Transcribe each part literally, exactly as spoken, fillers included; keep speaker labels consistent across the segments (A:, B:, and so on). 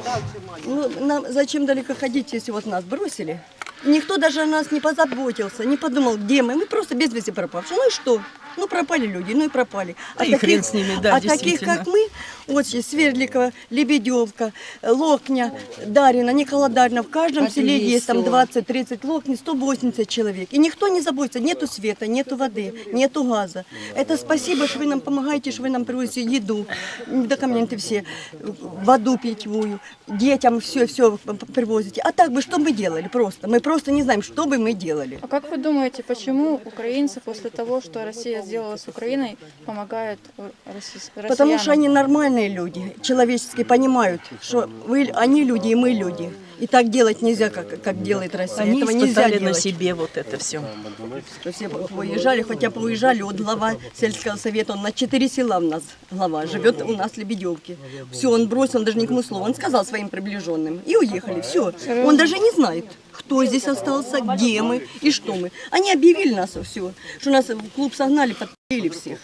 A: Ну, нам зачем далеко ходить, если вот нас бросили? Никто даже о нас не позаботился, не подумал, где мы. Мы просто без вести пропавшие. Ну и что? Ну пропали люди, ну и пропали.
B: А и хрен с ними, да,
A: а таких, как мы, вот здесь Свердликова, Лебедевка, Локня, Дарина, Никола Дарина, в каждом селе есть там двадцать-тридцать локней, сто восемьдесят человек. И никто не заботится, нету света, нету воды, нету газа. Это спасибо, что вы нам помогаете, что вы нам привозите еду, документы все, воду питьевую, детям все-все привозите. А так бы что мы делали просто? Мы просто не знаем, что бы мы делали.
C: А как вы думаете, почему украинцы после того, что Россия сделала с Украиной, помогают россиянам?
A: Потому что они нормальные люди, человеческие, понимают, что вы, они люди и мы люди. И так делать нельзя, как, как делает Россия.
B: Они
A: Этого нельзя
B: испытали
A: делать.
B: на себе вот это все.
A: Что все выезжали, хотя бы уезжали, вот глава сельского совета, он на четыре села у нас глава, живет у нас в Лебедевке. Все, он бросил, он даже никому слова, он сказал своим приближенным, и уехали, все. Он даже не знает, кто здесь остался, где мы и что мы. Они объявили нас все, что нас в клуб согнали, подпилили всех.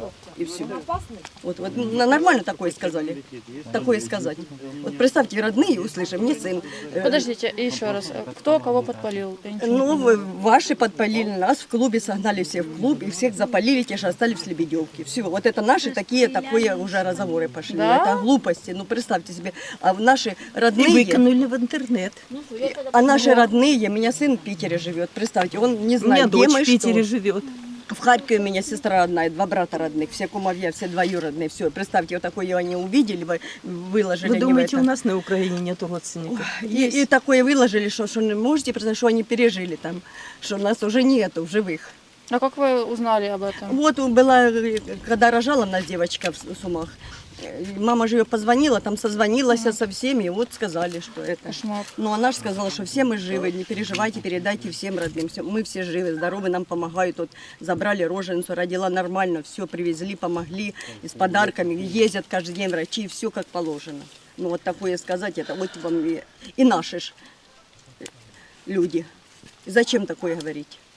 A: И все. Вот, вот нормально такое сказали, такое сказать. Вот представьте, родные услышали, мне сын.
C: Подождите, еще раз, кто кого подпалил?
A: Ну, вы, ваши подпалили нас, в клубе согнали всех в клуб, и всех запалили, те же остались в Лебедевке. Все, вот это наши такие, такое уже разговоры пошли.
C: Да?
A: Это глупости, ну представьте себе. А наши родные...
B: И выкинули в интернет.
A: А наши родные, у меня сын в Питере живет, представьте, он не
B: У меня
A: знает, где
B: дочь
A: мы,
B: в Питере
A: что.
B: живет.
A: В Харькове у меня сестра одна, и два брата родных, все кумовья, все двоюродные, все. Представьте, вот такое они увидели, вы- выложили.
B: Вы
A: они в
B: думаете,
A: это.
B: у нас на Украине нету родственников?
A: И, и такое выложили, что, что можете представить, что они пережили там, что нас уже нету в живых.
C: А как вы узнали об этом?
A: Вот была, когда рожала нас девочка в Сумах, мама же ее позвонила, там созвонилась со всеми, и вот сказали, что это.
C: Кошмар.
A: Но она же сказала, что все мы живы, не переживайте, передайте всем родным, все, мы все живы, здоровы, нам помогают. Вот забрали роженицу, родила нормально, все привезли, помогли, и с подарками, ездят каждый день врачи, все как положено. Ну вот такое сказать, это вот вам и, и наши ж люди. Зачем такое говорить?